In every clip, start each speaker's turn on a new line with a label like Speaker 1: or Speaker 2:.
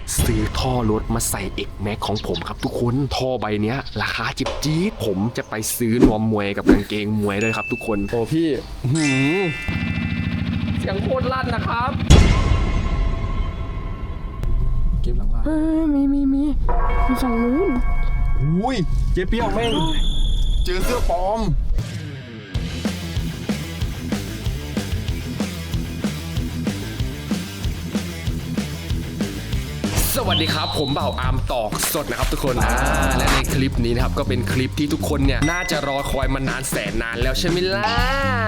Speaker 1: ซื้อท่อรถมาใส่ X Max ของผมครับทุกคนท่อใบเนี้ยราคาจิบจี๊ดผมจะไปซื้อนวมมวยกับกางเกงมวยเลยครับทุกคนโอ้พี่เสียงโคตรลั่นนะครับเก็บหลังล่าง
Speaker 2: มีฝั่งนู้น
Speaker 1: อุ้ยเจ๊เปี้ยวแม่งเจอเสื้อปลอมสวัสดีครับผมบ่าวอาร์มตอกสดนะครับทุกคนและในคลิปนี้นะครับก็เป็นคลิปที่ทุกคนเนี่ยน่าจะรอคอยมานานแสนนานแล้วใช่ไหมล่ะ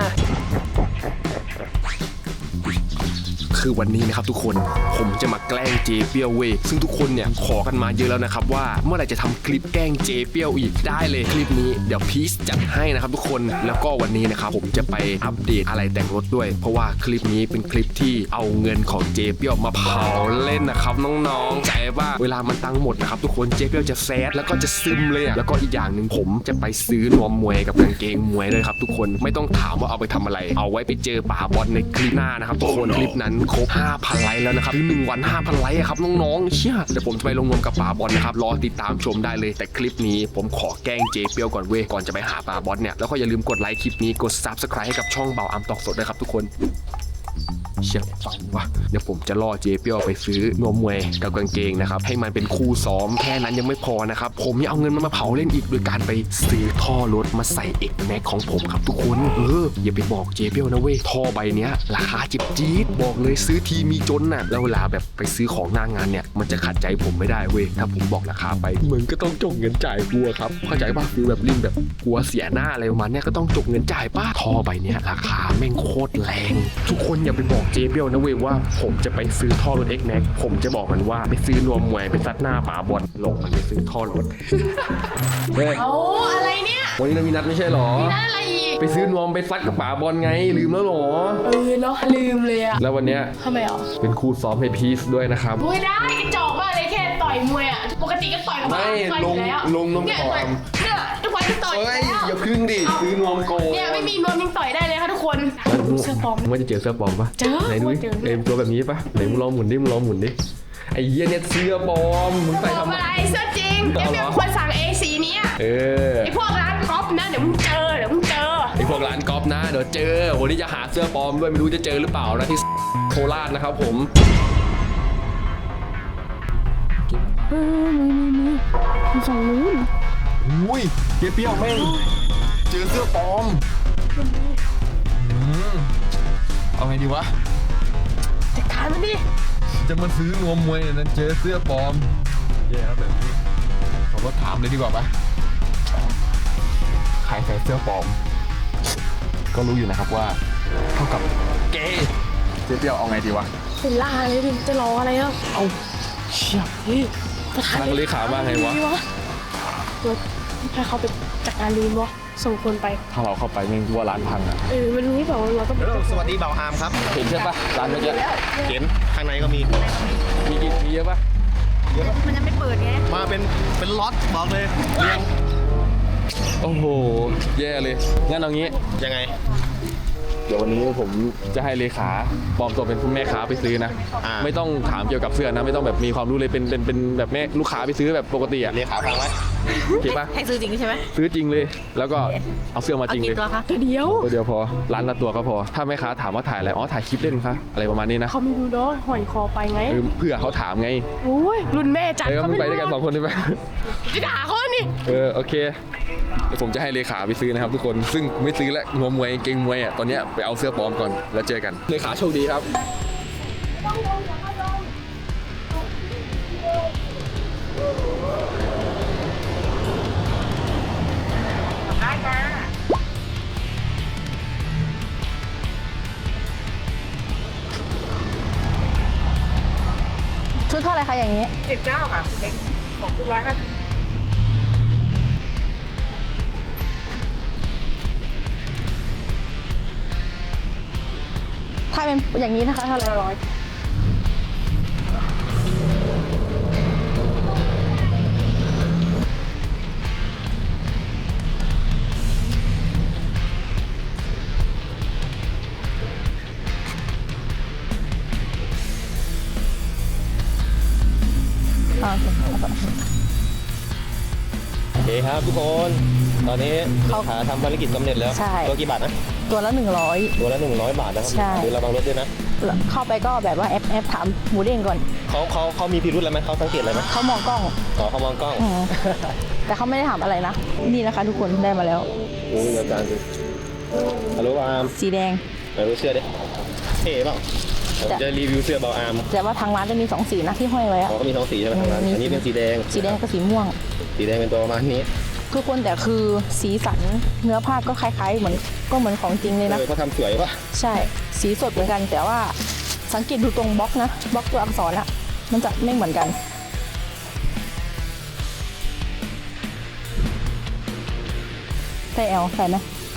Speaker 1: คือวันนี้นะครับทุกคนผมจะมาแกล้งเจเปียวเว้ยซึ่งทุกคนเนี่ยขอกันมาเยอะแล้วนะครับว่าเมื่อไหร่จะทำคลิปแกล้งเจเปียวอีกได้เลยคลิปนี้เดี๋ยวพีชจัดให้นะครับทุกคนแล้วก็วันนี้นะครับผมจะไปอัปเดตอะไรแต่งรถด้วยเพราะว่าคลิปนี้เป็นคลิปที่เอาเงินของเจเปียวมาเผาเล่นนะครับน้องๆใจว่าเวลามันตังหมดนะครับทุกคนเจเปียวจะแซดแล้วก็จะซึมเลยแล้วก็อีกอย่างหนึ่งผมจะไปซื้อนวมมวยกับกางเกงมวยเลยครับทุกคนไม่ต้องถามว่าเอาไปทำอะไรเอาไว้ไปเจอป่าบอลในคลิปหน้านะครับทุกคนคลิปนั้นครบ 5,000 ไลค์แล้วนะครับ1 วัน 5,000 ไลค์ครับน้องๆเชี่ยเดี๋ยวผมจะไปลงนวมกับป่าบอลนะครับรอติดตามชมได้เลยแต่คลิปนี้ผมขอแกล้งเจเปียวก่อนเว้ยก่อนจะไปหาป่าบอลเนี่ยแล้วก็อย่าลืมกดไลค์คลิปนี้กด Subscribe ให้กับช่องบ่าวอาร์มตอกสดด้วยครับทุกคนเชี่ยฟังวะเดี๋ยวผมจะล่อเจเปียวไปซื้อนวมมวยกับกางเกงนะครับให้มันเป็นคู่ซ้อมแค่นั้นยังไม่พอนะครับผมยังเอาเงินมาเผาเล่นอีกโดยการไปซื้อท่อรถมาใส่ X Max ของผมครับทุกคนอย่าไปบอกเจเปียวนะเว้ยท่อใบเนี้ยราคาจิบจี๊ดบอกเลยซื้อทีมีจนน่ะแล้วเวลาแบบไปซื้อของหน้างานเนี่ยมันจะขัดใจผมไม่ได้เว้ยถ้าผมบอกราคาไปมึงก็ต้องจกเงินจ่ายกลัวครับเข้าใจป่ะคือแบบลิ้นแบบกลัวเสียหน้าอะไรประมาณเนี้ยก็ต้องจกเงินจ่ายป่ะท่อใบเนี้ยราคาแม่งโคตรแรงทุกคนอย่าไปบอกเจเปียวนะเว้ยว่าผมจะไปซื้อท่อรถ X Max ผมจะบอกมันว่าไปซื้อนวมมวยไปซัดหน้าป่าบอลลงมันไปซื้อท่อรถเฮ้ย
Speaker 2: เอาอะไรเนี่ย
Speaker 1: วันนี้เรามีนัดไม่ใช่หรอ
Speaker 2: มีนัดอะไรอีก
Speaker 1: ไปซื้อนวมไปซัดกับป่าบอลไงลืมแล้วหรอ
Speaker 2: เนาะลืมเลยอะ
Speaker 1: แล้ววันเนี้ย
Speaker 2: ทำไมอ่ะ
Speaker 1: เป็นคู่ซ้อมให้พีซด้วยนะครับ
Speaker 2: มวยได้กระจอกมากเลยแค่ต่อยมวยอ่ะปกติก็ต่อยกับ
Speaker 1: ไม่ลงน้ำต่อย
Speaker 2: เนี่ยทุกวันก็ต่อยแล้ว
Speaker 1: อย่าพึ่งดิซื้อนวมโก
Speaker 2: เนี่ยไม่มีนวมยังต่อยได้เลยค่ะทุกคนเสื้อปลอม
Speaker 1: มึงจะเจอเสื้อปลอมปะ
Speaker 2: เจอ
Speaker 1: ไหนดูตัวแบบนี้ปะไหนมึงลองหมุนดิไอ้เหี้ยเนี่ยเสื้อปลอมมึงใส่ทำ
Speaker 2: อะไรเสื้อจริงแกเป็นคนสั่งสีนี้ไอ้พวกร้านก๊อปนะเดี๋ยวมึงเจอ
Speaker 1: ไอ้พวกร้านก๊อปนะเดี๋ยวเจอวันนี้จะหาเสื้อปลอมด้วยไม่รู้จะเจอหรือเปล่านะที่โคราชนะครับผม
Speaker 2: มีฝั่งนู้น
Speaker 1: อุ้ยเจ๊เปี้ยวแม่งเจอเสื้อปลอมเอาไงดีวะ
Speaker 2: จัดการมันดิ
Speaker 1: จะมาซื้อนวมมวยนั้นเจอเสื้อปลอมแย่แบบนี้ผมก็ถามเลยดีกว่าปะใครใส่เสื้อปลอมก็รู้อยู่นะครับว่าเท่ากับเกย์เจ๊เปี้ยวเอาไงดีวะ
Speaker 2: เป็นล่าเลยดิจะรออะไรอ่ะ
Speaker 1: เอาเชี่ย
Speaker 2: ประธาน
Speaker 1: เลขาว่าไงวะ
Speaker 2: ให้เขาไปจัดการลีนวะส่งคนไป
Speaker 1: ถ้าเราเข้าไปแม่งว่าร้านพังอ่ะ
Speaker 2: มันรู้เปล่าเราต้อง
Speaker 3: สวัสดีบ่าวอาร์มครับ
Speaker 1: เห็นใช่ปะร้านเมื่อกี้
Speaker 3: เห็นข้างในก็มี
Speaker 1: เยอะปะ
Speaker 2: มันจะไม่เปิดไง
Speaker 3: มาเป็นล็อตบอกเลยเรียง
Speaker 1: โอ้โหแย่เลยงั้นเอางี้
Speaker 3: ยังไง
Speaker 1: เดี๋ยววันนี้ผมจะให้เลขาปลอมตัวเป็นผู้แม่ค้าไปซื้อนะไม่ต้องถามเกี่ยวกับเสื้อนะไม่ต้องแบบมีความรู้เลยเป็นแบบแม่ลูกค้าไปซื้อแบบปกติอะ
Speaker 3: เลขาฟังไว้
Speaker 1: เก็บปะ
Speaker 2: ให้ซื้อจริงใช่ไหม
Speaker 1: ซื้อจริงเลยแล้วก็เอาเสื้อมาจริงเลย
Speaker 2: ตัวเดียว
Speaker 1: พอร้านละตัวก็พอถ้าแม่ค้าถามว่าถ่ายอะไรถ่ายคลิปเล่นคะอะไรประมาณนี้นะ
Speaker 2: เขาไม่รู้เนาะหอยคอไปไง
Speaker 1: เพื่อเขาถามไง
Speaker 2: โอ้ยรุ่นแม่จัด
Speaker 1: เขาไม่ไปด้วยกัน2 คนได้ไหม
Speaker 2: จะด่าเขานี่
Speaker 1: โอเคเดี๋ยวผมจะให้เลขาไปซื้อนะครับทุกคนซึ่งไม่ซื้อแล้วนวมมวยเกงมวยอ่ะตอนนี้ไปเอาเสื้อปลอมก่อนแล้วเจอกันเลขาโชคดีครับ
Speaker 4: ชุดเท่าไรคะอย่างนี้
Speaker 2: 19ค่ะเล็กของคุณร้อยค่ะ
Speaker 4: ถ้าเป็นอย่างนี้นะคะเท่าไหร่100 อ่า
Speaker 3: โอเคครับทุกคน ตอนนี้ขาทำภารกิจสำเร็จแล้ว
Speaker 4: ใช่
Speaker 3: ตัวกี่บาทนะ
Speaker 4: ตัวละ100
Speaker 3: ตัวละ100 บาทนะครับ
Speaker 4: ใช่
Speaker 3: ดูระวังรถด้วยนะ
Speaker 4: เข้าไปก็แบบว่าแอปถามหมูเด้งก่อน
Speaker 3: เขามีพิรุธอะไรไหมเขาสังเกตอะไรไหม
Speaker 4: เขามองกล้อง
Speaker 3: อ๋อเขามองกล้อง
Speaker 4: อืมแต่เขาไม่ได้ถามอะไรนะ นี่นะคะทุกคนได้มาแล้ว
Speaker 3: โอ้ยอาจารย์ดูฮัลโหลบาอาร์ม
Speaker 4: สีแดง
Speaker 3: ไหนดูเสื้อดิเท่เปล่าผมจะรีวิวเสื้อบาอาร์ม
Speaker 4: แต่ว่าทางร้านจะมี2สีนะที่ห้อยไว้อะ
Speaker 3: เขาก็มี2 สีใช่ไหมทางร้านอันนี้เป็นสีแดง
Speaker 4: สีแดงกับสีม่วง
Speaker 3: สีแดงเป็นตัวประมาณนี้
Speaker 4: ทุกคนแต่คือสีสันเนื้อผ้าก็คล้ายๆเหมือนของจริงเลยนะ
Speaker 3: เขาทำสวยป่ะ
Speaker 4: ใช่สีสดเหมือนกัน แต่ว่าสังเกตดูตรงบล็อกนะบล็อกตัวอักษรอะมันจะไม่เหมือนกันใส่แอลใส่ไหม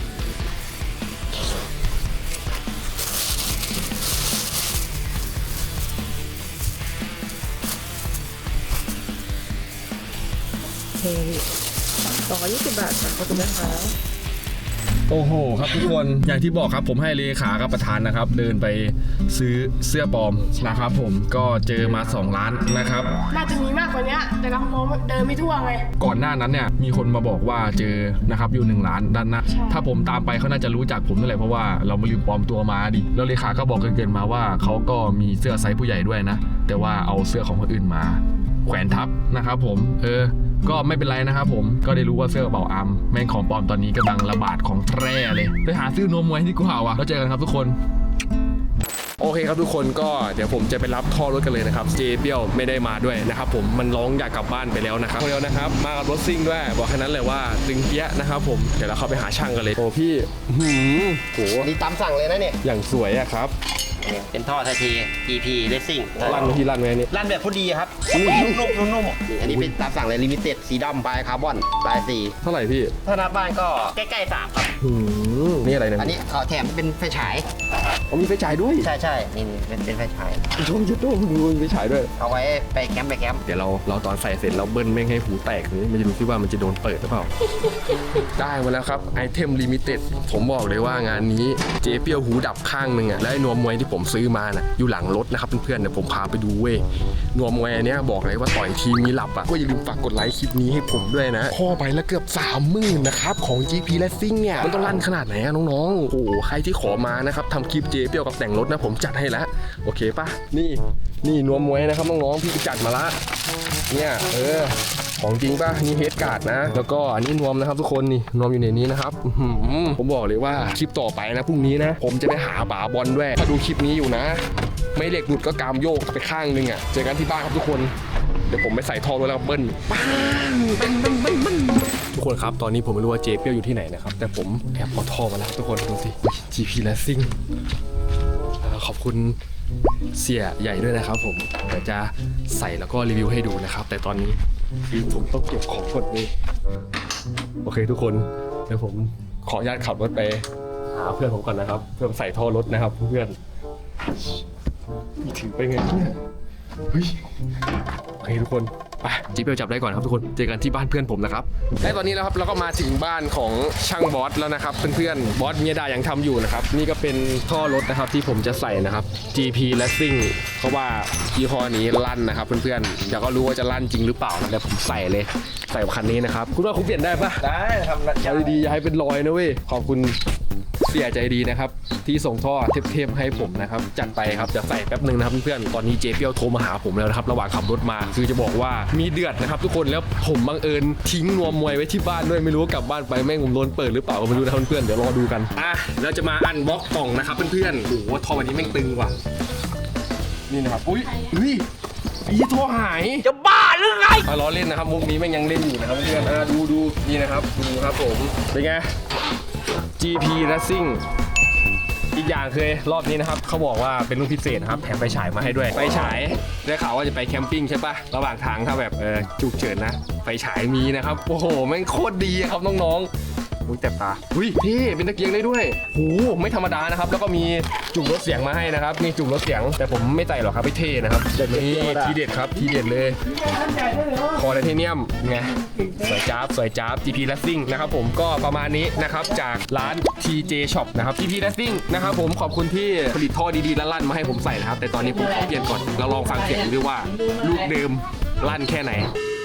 Speaker 4: 220 บาทค่ะขอบคุณนะคะ
Speaker 1: โอ้โหครับทุกคนอย่างที่บอกครับผมให้เลขากับประธานนะครับ เดินไปซื้อเสื้อปลอมนะครับผมก็เจอมา2ร้านนะครับ
Speaker 2: น่าจะมีมากกว่านี้แต่เรามองเดินไม่ทั่วไง
Speaker 1: ก่อนหน้านั้นเนี่ยมีคนมาบอกว่าเจอนะครับอยู่1ร้านด้านหน้า
Speaker 2: ใช่
Speaker 1: ถ้าผมตามไปเขาน่าจะรู้จักผมนั่นแหละเพราะว่าเรามาลืมปลอมตัวมาดิแล้วเลขาก็บอกเกินๆมาว่าเขาก็มีเสื้อไซส์ผู้ใหญ่ด้วยนะแต่ว่าเอาเสื้อของคนอื่นมาแขวนทับนะครับผมก็ไม่เป็นไรนะครับผมก็ได้รู้ว่าเสื้อเบาอัมแม่งของปลอมตอนนี้กำลังระบาดของแพร่เลยไปหาซื้อนมไว้ดีกว่าว่ะแล้วเจอกันครับทุกคนโอเคครับทุกคนก็เดี๋ยวผมจะไปรับท่อรถกันเลยนะครับเจเปียวไม่ได้มาด้วยนะครับผมมันร้องอยากกลับบ้านไปแล้วนะครับเร็วนะครับมากับรถซิ่งด้วยบอกแค่นั้นเลยว่าตึงเปี้ยนะครับผมเดี๋ยวเราเข้าไปหาช่างกันเลยโอ้พี่โห
Speaker 3: นี่ตามสั่งเลยนะเนี่ย
Speaker 1: อย่างสวยอะครับ
Speaker 3: เป็นท่อไทยที EP Racing
Speaker 1: ลั่นไหมพี่ลั่นไหมนี่
Speaker 3: ลั่นแบบพอดีครับนุ่มๆอันนี้เป็นตามสั่งเลยลิมิเต็ดสีดำปลายคาร์บอนปลายสี
Speaker 1: เท่าไหร่พี่
Speaker 3: ถ้านับบ้านก็ใกล้ๆ3ครับ
Speaker 1: นี่อะไรนะ
Speaker 3: อันนี้เขาแถมเป็นไฟฉาย
Speaker 1: เขามีไฟฉายด้วย
Speaker 3: ใช่นี่เป็นไฟฉาย
Speaker 1: ชมยุดด้วยดูมีไฟฉายด้วย
Speaker 3: เอาไว้ไปแคมป์
Speaker 1: เดี๋ยวเราตอนใส่เสร็จเราเบิ้ลแม่งให้หูแตกนี่มันจะดูที่ว่ามันจะโดนเปิดหรือเปล่า ได้มาแล้วครับไอเทมลิมิเต็ดผมบอกเลยว่างานนี้เจเปียวหูดับข้างหนึ่งอ่ะและไอ้นวมมวยที่ผมซื้อมาน่ะอยู่หลังรถนะครับเพื่อนๆเดี๋ยวผมพาไปดูเว้ยนวมมวยอันเนี้ยบอกเลยว่าต่อยทีมีหลับอ่ะก็อย่าลืมฝากกดไลค์คลิปนี้ให้ผมด้วยนะพ่อไปแล้วเกือบ30,000นะครับของ GP Racing เนี่ยมันต้องลั่นขนาดไหนอะน้องๆโอ้โหใครที่ขอมานะครับทำคลิปเจเปียวกับแต่งรถนะผมจัดให้แล้วโอเคป่ะนี่นวมมวยนะครับน้องๆพี่ไปจัดมาละเนี่ยของจริงป่ะนี่เฮดการ์ดนะแล้วก็อันนี้นวมนะครับทุกคนนี่นวมอยู่ในนี้นะครับผมบอกเลยว่าคลิปต่อไปนะพรุ่งนี้นะผมจะไปหาบาบอลด้วยถ้าดูคลิปนี้อยู่นะไม่เหล็กหลุดก็กามโยกไปข้างนึงอ่ะเจอกันที่บ้านครับทุกคนเดี๋ยวผมไปใส่ท่อรถแล้วเบิ้ลปังทุกคนครับตอนนี้ผมไม่รู้ว่าเจเปียวอยู่ที่ไหนนะครับแต่ผมแอบเอาท่อมาแล้วทุกคนดูสิ GP Racing ขอบคุณเสียใหญ่ด้วยนะครับผมเดี๋ยวจะใส่แล้วก็รีวิวให้ดูนะครับแต่ตอนนี้คือผมต้องเก็บของก่อนเลยโอเคทุกคนเดี๋ยวผมขออนุญาตขับรถไปหาเพื่อนผมก่อนนะครับเพื่อใส่ท่อรถนะครับเพื่อนถือไปไงเนี่ยเฮ้ยโอเคทุกคนไปจีเปียวจับได้ก่อนครับทุกคนเจอกันที่บ้านเพื่อนผมนะครับและตอนนี้นะครับเราก็มาถึงบ้านของช่างบอสแล้วนะครับเพื่อนๆบอสเมียดายังทำอยู่นะครับนี่ก็เป็นท่อรถนะครับที่ผมจะใส่นะครับ GP Racing เพราะว่ายี่ห้อนี้ลั่นนะครับเพื่อนๆอยากก็รู้ว่าจะลั่นจริงหรือเปล่านะแต่ผมใส่เลยใส่คันนี้นะครับคุณว่าคุณเปลี่ยนได้ปะ
Speaker 3: ได้ครับ
Speaker 1: เอาดีๆอย่าให้เป็นรอยนะเว้ยขอบคุณเสียใจดีนะครับที่ส่งท่อเทปๆให้ผมนะครับจัดไปครับจะใส่แป๊บนึงนะครับเพื่อนๆตอนนี้เจเปียวโทรมาหาผมแล้วนะครับระหว่างขับรถมาคือจะบอกว่ามีเดือดนะครับทุกคนแล้วผมบังเอิญทิ้งนวมมวยไว้ที่บ้านด้วยไม่รู้ว่ากลับบ้านไปแม่งผมโดนเปิดหรือเปล่าก็ไม่รู้นะครับเพื่อนๆเดี๋ยวรอดูกันเราจะมาอันบล็อกกล่องนะครับเพื่อนๆโอ้โหท่อวันนี้แม่งตึงว่ะนี่นะครับอุ้ยไอ้ท่อหายจะบ้าหรือไงล้อเล่นนะครับมุกนี้แม่งยังเล่นอยู่นะครับเพื่อนๆดูนี่นะครับดูครับผมเป็นไงGP Racing อีกอย่างคือรอบนี้นะครับเขาบอกว่าเป็นรุ่นพิเศษนะครับแถมไฟฉายมาให้ด้วยไฟฉายได้ข่าวว่าจะไปแคมปิ้งใช่ปะระหว่างทางถ้าแบบฉุกเฉินนะไฟฉายมีนะครับโอ้โหแม่งโคตรดีครับน้องๆอุ้ยแตบตาอุ้ยพี่เป็นตะเกียงได้ด้วยโหไม่ธรรมดานะครับแล้วก็มีจุ่มรถเสียงมาให้นะครับนี่จุ่มรถเสียงแต่ผมไม่ใส่หรอกครับไม่เท่นะครับนี่ทีเด็ดครับทีเด็ดเลยคอไทเทเนียมไงสวยจ๊าบ GP Racing นะครับผมก็ประมาณนี้นะครับจากร้าน TJ Shop นะครับ GP Racing นะครับผมขอบคุณที่ผลิตท่อดีๆลั่นๆมาให้ผมใส่นะครับแต่ตอนนี้ผมขอเปลี่ยนก่อนเราลองฟังเสียงดูว่าลูกเดิมลั่นแค่ไหน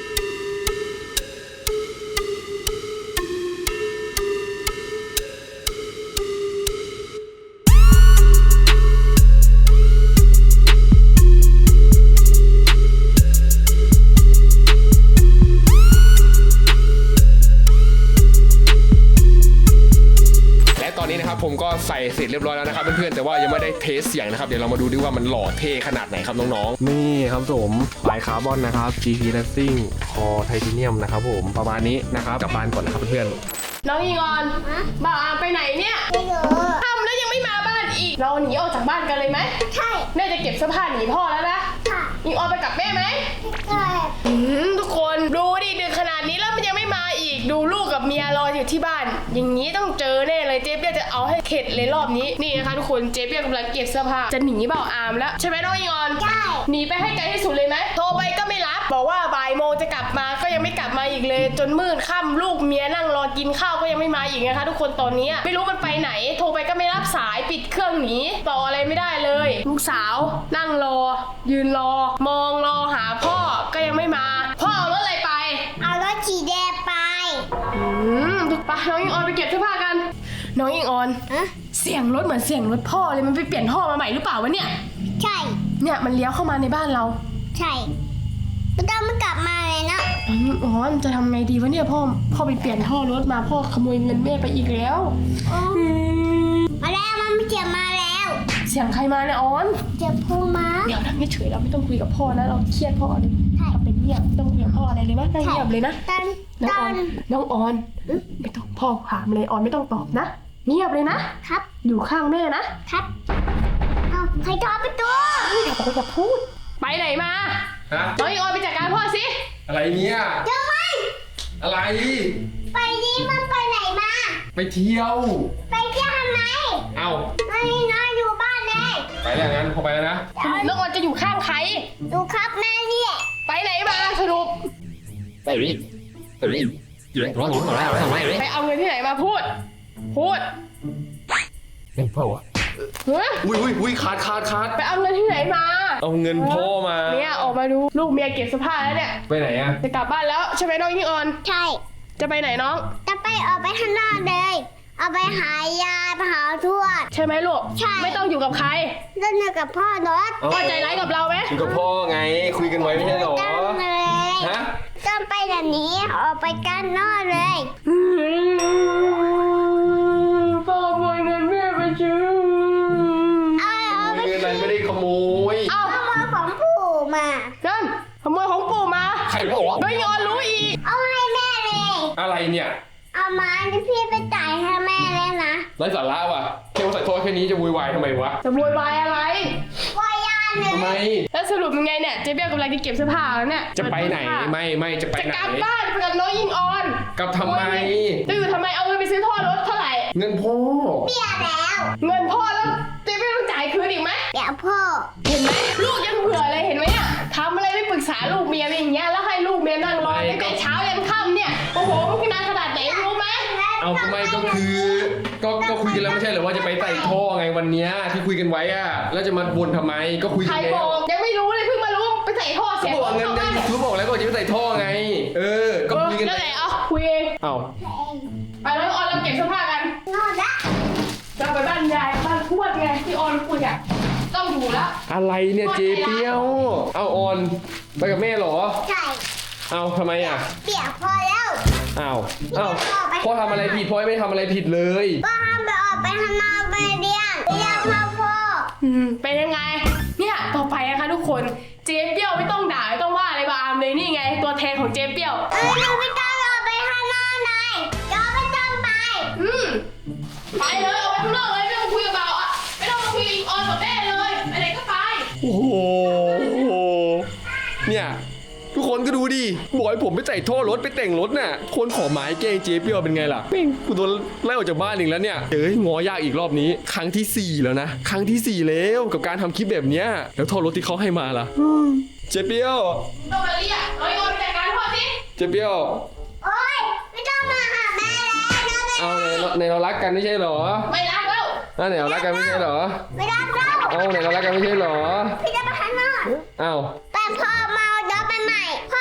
Speaker 1: ตอนนี้นะครับผมก็ใส่เสร็จเรียบร้อยแล้วนะครับเพื่อนๆแต่ว่ายังไม่ได้เทสเสียงนะครับเดี๋ยวเรามาดูดิว่ามันหล่อเท่ขนาดไหนครับน้องๆนี่ครับผมปลายคาร์บอนนะครับ GP Racing คอไทเทเนียมนะครับผมประมาณนี้นะครับกลับบ้านก่อนนะครับเพื่อน
Speaker 2: น้องอิงออนบ่าวอามไปไหนเนี่ยไม่รู้ทำแล้วยังไม่มาบ้านอีกเราหนีออกจากบ้านกันเลยไหมใช่แม่จะเก็บเสื้อผ้าหนีพ่อแล้วนะค่ะอิงออนไปกับแม่ไหมใช่ทุกคนดูดิดึกขนาดนี้แล้วมันยังไม่มาอีกดูลูกกับเมียรออยู่ที่บ้านอย่างนี้ต้องเจอแน่เลยเจ๊เปี้ยจะเอาให้เข็ดเลยรอบนี้นี่นะคะทุกคนเจ๊เปี้ยกำลังเก็บเสื้อผ้าจะหนีบ่าวอามแล้วใช่ไหมน้องอิงออนใช่หนีไปให้ไกลที่สุดเลยไหมโทรไปก็ไม่รับบอกว่าบ่ายโมงจะกลับมาก็ยังไม่กลับมาอีกเลยจนมืดค่ำลูกเมียนั่งรอกินข้าวก็ยังไม่มาอีกนะคะทุกคนตอนนี้ไม่รู้มันไปไหนโทรไปก็ไม่รับสายปิดเครื่องหนีต่ออะไรไม่ได้เลยลูกสาวนั่งรอยืนรอมองรอหาพ่อก็ยังไม่มาพ่อเอารถอะไรไปเอารถสีแดงไปไปน้องอิงออนไปเก็บเสื้อผ้ากันน้องอิงออนเสียงรถเหมือนเสียงรถพ่อเลยมันไปเปลี่ยนท่อมาใหม่หรือเปล่าวะเนี่ยใช่เนี่ยมันเลี้ยวเข้ามาในบ้านเราใช่ไม่ต้องมันกลับมาเลยนะอ๋อจะทำไงดีวะเนี่ยพ่อไปเปลี่ยนท่อรถมาพ่อขโมยเงินแม่ไปอีกแล้วมาแล้วมันไม่เจ็บมาแล้วเสียงใครมาเนี่ยออนเจ็บพ่อมาเดี๋ยวนั่งเฉยเราไม่ต้องคุยกับพ่อนะเราเครียดพ่อเลยเราเป็นเงียบไม่ต้องคุยกับพ่ออะไรเลยมั้ยนั่งเงียบเลยนะน้องออนไม่ต้องพ่อถามเลยออนไม่ต้องตอบนะเงียบเลยนะครับอยู่ข้างแม่นะครับเอาใครท้อประตูอย่าพูดไปไหนมาน้องอิงออนไปจัดการพ่อสิ
Speaker 1: อะไรเนี่ย
Speaker 2: เดี๋ยวไป
Speaker 1: อะไร
Speaker 2: ไปนี่มันไปไหนมา
Speaker 1: ไปเที่ยว
Speaker 2: ทำไม
Speaker 1: เอ้า
Speaker 2: ไม่นอนอยู่บ้านเลย
Speaker 1: ไปแล้วงั้นพอไปแล้วนะ
Speaker 2: น้องออนจะอยู่ข้างใครดูครับแม่เนี่ยไปไหนมาสรุปไปเอาเงินที่ไหนมาพูด
Speaker 1: เงินพ่อวะอุ้ยขาด
Speaker 2: ไปเอาเงินที่ไหนมา
Speaker 1: เอาเงินพ่อมา
Speaker 2: เนี่ยออกมาดูลูกเมียเก็บเสื้อผ้าแล้วเนี่ย
Speaker 1: ไปไหนอะ
Speaker 2: จะกลับบ้านแล้วใช่ไหมน้องอิงออนใช่จะไปไหนน้องจะไปออกไปข้างนอกเลยเอาไปหายายไปหาทวดใช่ไหมลูกใช่ไม่ต้องอยู่กับใครต้องอยู่กับพ่อรถพ่อใจร้ายกับเราไหม
Speaker 1: อยู่กับพ่อไงคุยกันไว้ไม่ใช่หรอ
Speaker 2: ฮะต้องไปแบบนี้ออกไปกันนอกเลยพ่อขโมยเงินแม่ไปซื้อ
Speaker 1: เงินอะไรไม่ได้ขโมย
Speaker 2: เอาขโมยของปู่มานั่นขโมยของปู่มา
Speaker 1: ใครบอกวะ
Speaker 2: ไม่ยอมรู้อีกเอาให้แม่เลย
Speaker 1: อะไรเนี่ย
Speaker 2: เอามาที่พี่ไปจ่ายให้แม่เลยนะ
Speaker 1: ไร้สาระว่ะแค่ว่าใส่โทษแค่นี้จะวุ่นวายทำไมวะ
Speaker 2: จะวุ่นวายอะไรวายยานเลย
Speaker 1: ทำไม
Speaker 2: แล้วสรุปยังไงเนี่ยเจ๊เบี้ยกำลังจะเก็บเสื้อผ้าแล้วเนี่ย
Speaker 1: จะไปไหนไม่จะไปไหน
Speaker 2: จะกลับบ้านไปกับน้องอิงออน
Speaker 1: กลับทำไม
Speaker 2: จะอยู่ทำไมเอาเงินไปซื้อท่อรถเท่าไหร่
Speaker 1: เงินพ่อ
Speaker 2: เบี้ยแล้วเงินพ่อแล้วเจ๊เบี้ยต้องจ่ายคืนอีกไหมเดี๋ยวพ่อเห็นไหมลูกยังเผื่อเลยเห็นไหมอ่ะทำอะไรไม่ปรึกษาลูกเมียอย่างเงี้ยแล้วให้ลูกเมียนั่งรอตั้งแต่เช้ายันค่ำเนี่ยโอ้โหมันนานขนาดไหนรู้ไหม
Speaker 1: เอาทำไมก็คือก็คุยกันแล้วไม่ใช่เหรอว่าจะไปใส่ท่อไงวันนี้ที่คุยกันไว้อะแล้วจะมาบ่นทำไมก็คุยกันแล้ว
Speaker 2: ยังไม่รู้เลยเพิ่งมารู้ไปใส่ท่อเสีย
Speaker 1: บอกเงินได้ยูทูบบอกแล้วก็จะไปใส่ท่อไงก็คุยกัน
Speaker 2: นั่นแหละคุยเอง
Speaker 1: เอา
Speaker 2: ไปแล้วออนเราเก็บเสื้อผ้ากันนอนละจะไปบ้านยายบ้านทวดไงที่ออนคุยอะต้องอยู่แล้ว
Speaker 1: อะไรเนี่ยเจเปียวเอาออนไปกับแม่เหรอ
Speaker 2: ใช่
Speaker 1: เอาทำไมอ่ะ
Speaker 2: เปียกพอแล้ว
Speaker 1: อ้าวพ่อทำอะไรผิดพ่อไม่ทำอะไรผิดเลย
Speaker 2: ก็ห้ามไปออกไปข้างนอกไปเรียนพ่อเป็นยังไงเนี่ยต่อไปนะคะทุกคนเจ๊เปี้ยวไม่ต้องด่าไม่ต้องว่าอะไรบาอามเลยนี่ไงตัวแทนของเจ๊เปี้ยวหนูไม่ต้องออกไปข้างนอกเลยเดี๋ยวไม่ต้องไปไปเลยออกไปข้างนอกเลยไม่ต้องคุยกับบ่าวอ่ะไม่ต้องมาคุยกับออนกับแม่เลยไปไหนก็ไป
Speaker 1: โอ้โหเนี่ยทุกคนก็ดูดิบอกให้ผมไปใส่ท่อรถไปแต่งรถน่ะคนขอหมายแกงเจ๊เปี้ยวเป็นไงล่ะแม่งกูโดนไล่ออกจากบ้านอีกแล้วเนี่ยงอยากอีกรอบนี้ครั้งที่4แล้วนะครั้งที่4แล้วกับการทำคลิปแบบเนี้ยแล้วท่อรถที่เขาให้มาล่ะเจ๊เปี้ยว
Speaker 2: ต้องมาเรียกน้อยอนไปจัดการพ่อสิ
Speaker 1: เจ๊เปี้ยว
Speaker 2: โอ๊ยไม่ต้องมาหาแม่แล้ว
Speaker 1: เอาในเรารักกันไม่ใช่หรอ
Speaker 2: ไม่รักแล้ว
Speaker 1: ไหนเรารักกันไม่ใช่หรอ
Speaker 2: ไม่รักแล้ว
Speaker 1: เอาไหนเรารักกันไม่ใช่หรอ
Speaker 2: พี่จะไปข้างนอก
Speaker 1: เอา
Speaker 2: แต่พ่อเมาเดี๋ยวไปใหม่พ่อ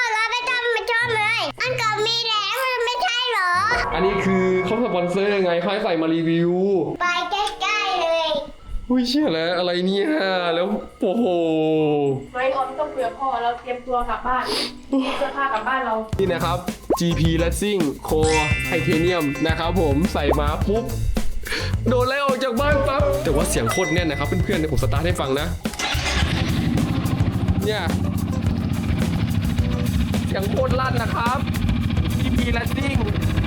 Speaker 1: อันนี้คือเขาสปอนเซอร์ยังไงเขาให้ใส่มารีวิว
Speaker 5: ไปใกล้ๆเลย
Speaker 1: อุ้ยเชื่อแล้วอะไรเนี่ยแล้วโอ้โห
Speaker 2: ไม่ออมต้องคุยกับพ่อเราเตรียมตัวกลับบ้านเสื้อผ้ากลับบ้านเรา
Speaker 1: นี่นะครับ GP Racing Core Titanium นะครับผมใส่มาปุ๊บโดนไล่ออกจากบ้านปั๊บแต่ว่าเสียงโคตรแน่นนะครับเพื่อนๆเดี๋ยวผมสตาร์ทให้ฟังนะเนี่ยเสียงโคตรลั่นนะครับ GP Racing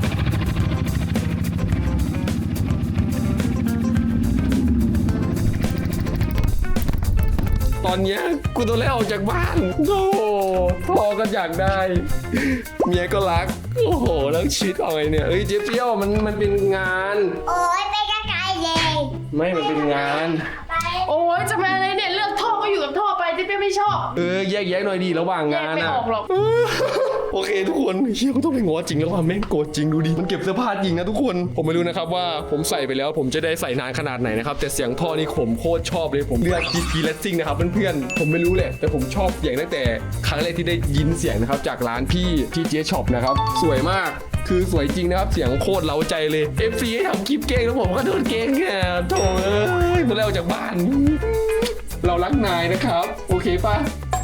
Speaker 1: ตอนเนี้ยกูโดนไล่ออกจากบ้านโอ้โหพ่อก็อยากได้ เมียก็รัก โอ้โห แล้วชีวิตเอาไงเนี่ย เอ้ยเจ๊เปี้ยวมันเป็นงาน
Speaker 5: โอ้ยไปใกล้ๆเลย
Speaker 1: ไม่มันเป็นงาน
Speaker 5: ไป
Speaker 2: โอ้ยจะมาอะไรเนี่ยเลือกท่อก็อยู่กับท่อไปที่เป้ไม่ชอบ
Speaker 1: แยกหน่อยดีระหว่าง
Speaker 2: แย
Speaker 1: งาก น
Speaker 2: ไม่
Speaker 1: อะ
Speaker 2: ออกหรอก
Speaker 1: โอเคทุกคนเฮียก็ต้องไปง้อจริงแล้วว่าแม่งโกรธจริงดูดิมันเก็บเสื้อผ้าจริงนะทุกคนผมไม่รู้นะครับว่าผมใส่ไปแล้วผมจะได้ใส่นานขนาดไหนนะครับแต่เสียงท่อนี่ผมโคตรชอบเลยผมเลือก GP Racing นะครับเพื่อนๆผมไม่รู้แหละแต่ผมชอบเสียงตั้งแต่ครั้งแรกที่ได้ยินเสียงนะครับจากร้านพี่ที่เจ๊ช็อปนะครับสวยมากคือสวยจริงนะครับเสียงโคตรเล้าใจเลย FC ให้ทำคลิปเก่งแล้วผมก็โดนเก่งแค่โถ่เอ้ยมาแล้วจากบ้าน เรารักนายนะครับโอเคปะ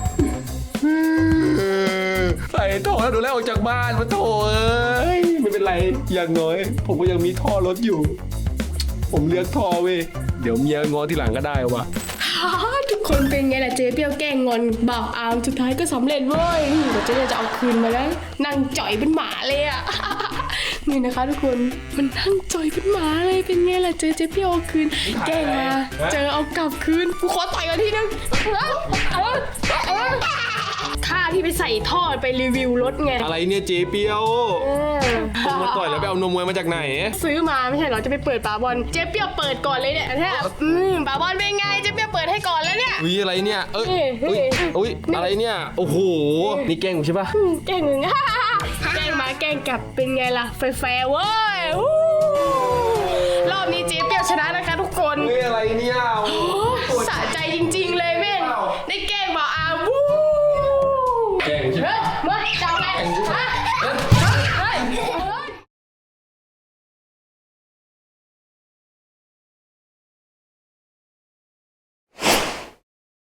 Speaker 1: ใส่ท่อแล้วดูแลออกจากบ้านมาโถเอ้ยไม่เป็นไรอย่างน้อย ผมก็ยังมีท่อรถอยู่ ผมเลือกท่อเว้ยเดี๋ยวเมียงอทีหลังก็ได้วะ
Speaker 2: ทุกคนเป็นไงล่ะเจ๊เปี้ยวแกล้งงอนบ่าวอามสุดท้ายก็สำเร็จเว้ยเดี๋ยวเจ๊จะเอาคืนมาแล้วนั่งจ่อยเป็นหมาเลยอ่ะ นี่นะคะทุกคนมันนั่งจ่อยเป็นหมาเลยเป็นไงล่ะเจ๊เปี้ยวเอาคืนแกล้งมาเจอเอากลับคืนกูขอต่อยกันทีนึงค่าที่ไปใส่ท่อไปรีวิวรถไง
Speaker 1: อะไรเนี่ยเจ๊เปียวผมมาต่อยแล้วไปเอานมมวยมาจากไหน
Speaker 2: ซื้อมาไม่ใช่เหรอจะไปเปิดปาบอลเจ๊เปี้ยวเปิดก่อนเลยเนี่ยแทบปาบอลเป็นไงเจ๊เปี้ยวเปิดให้ก่อนแล้วเนี่ย
Speaker 1: อุ้ยอะไรเนี่ยเอ้ย
Speaker 2: เฮ้
Speaker 1: อุ้
Speaker 2: ย
Speaker 1: ยอุ้ยอะไรเนี่ยโอ้โหนี่แกล้งผมใช่ปะ
Speaker 2: แกล้งมึง แกล้งมาแกล้งกลับเป็นไงล่ะแฟร์เว้ยวู้รอบนี้เจ๊เปี้ยวชนะนะคะทุกคน
Speaker 1: เฮ้ยอะไรเนี่ยโอ้โห
Speaker 2: สะใจจริงๆเลยแม่งได้แกล้งบอกอาวู้
Speaker 1: แกล้งใช่ไหม
Speaker 2: เฮ้ยเมื่อเจ้าอะไรฮะ